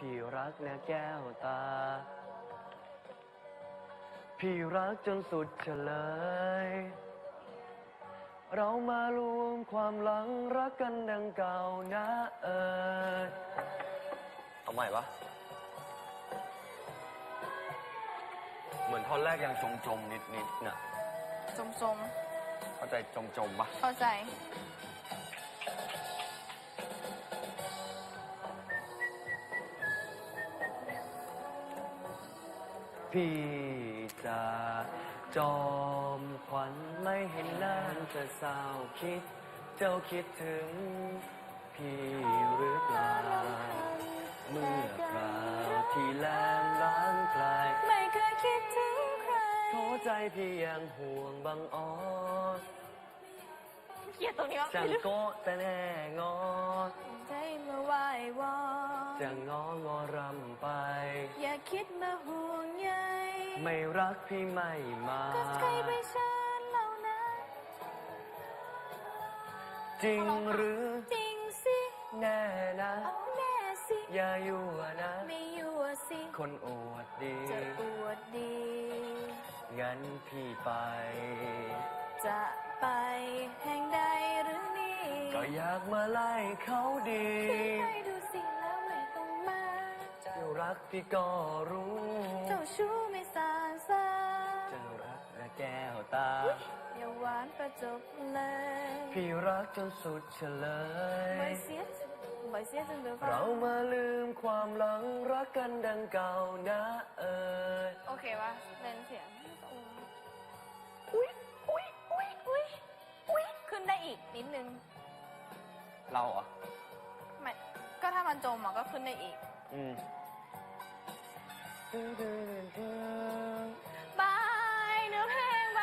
พี่รักนะแก้วตาพี่รักจนสุดเฉลยเรามารวมความหลังรักกันดังเก่านะเอาใหม่ปะเหมือนท่อนแรกยังจมนิดน่ะจมเข้าใจจมปะเข้าใจพี่จะจอมขวัญไม่เห็นหน้าจะเศร้าคิดเจ้าคิดถึงพี่หรือเปล่าเมื่อคราวที่แลมล้างไกลไม่เคยคิดถึงใครโทษใจพี่ยังห่วงบังอ้อนเกลียดตรงนี้วะจังโกะแต่แน่งอใจมาไหววอนจะงรำไปอย่าคิดมาห่วงใยไม่รักพี่ไม่มาก็ใครไปเชิญเรานะจริงหรือจริงสิแน่นะเอาแน่สิอย่ายั่วนะไม่ยั่วสิคนอวดดีจะอวดดีงั้นพี่ไปจะไปแห่งใดหรือนี่ก็อยากมาไล่เขาดีให้ดูสิแล้วไม่ต้องมาเจ้ารักพี่ก็รู้เจ้าชู้ไม่สานซาเจ้ารักและแก้วตาอย่าหวานประจบเลยพี่รักจนสุดเฉลยบ่อยเสียจนเดือดเรามาลืมความหลังรักกันดังเก่านะโอเควะเล่นเสียงอุ้ยขึ้นได้อีกนิดนึงเราอ่ะไม่ก็ถ้ามันจมก็ขึ้นได้อีกบายเนื้อเพลง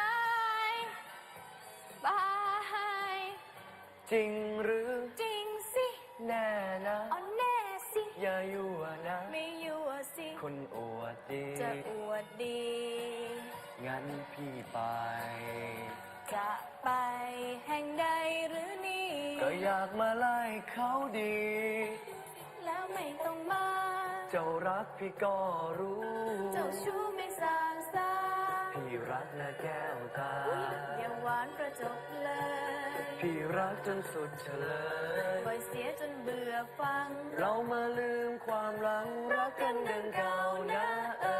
บายจริงหรือจริงสิแน่นะอ๋อแน่สิอย่ายั่วนะไม่ยั่วสิคนอวดดีจะอวดดีงั้นพี่ไปจะไปแห่งใดหรือนี่ก็อยากมาไล่เขาดีแล้วไม่ต้องมาเจ้ารักพี่ก็รู้เจ้าชู้ไม่สางซาพี่รักนะแก้วตาอย่าหวานประจบเลยพี่รักจนสุดเฉลยบ่อยเสียจนเบื่อฟังเรามาลืมความหลังรักกันดังเก่านะ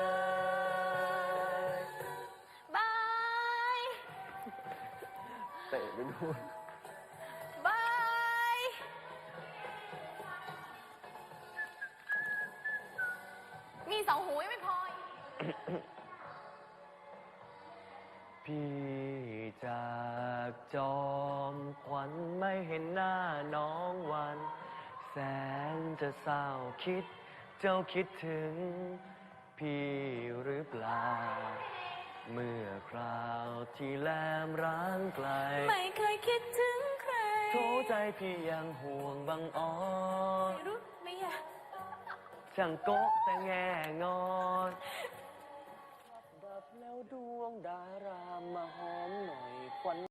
บายเตะไปดูบายมี2 หูยังไม่พอพี่จากจอมขวัญไม่เห็นหน้าน้องวันแสนจะเศร้าคิดเจ้าคิดถึงพี่หรือเปล่าเมื่อคราวที่แลมร้างไกลไม่เคยคิดถึงใครโทษใจพี่ยังห่วงบังอ้อนไม่รู้ไม่อยากช่างโกะแต่แง่งอนดับแล้วดวงดารามมาหอมหน่อยควัน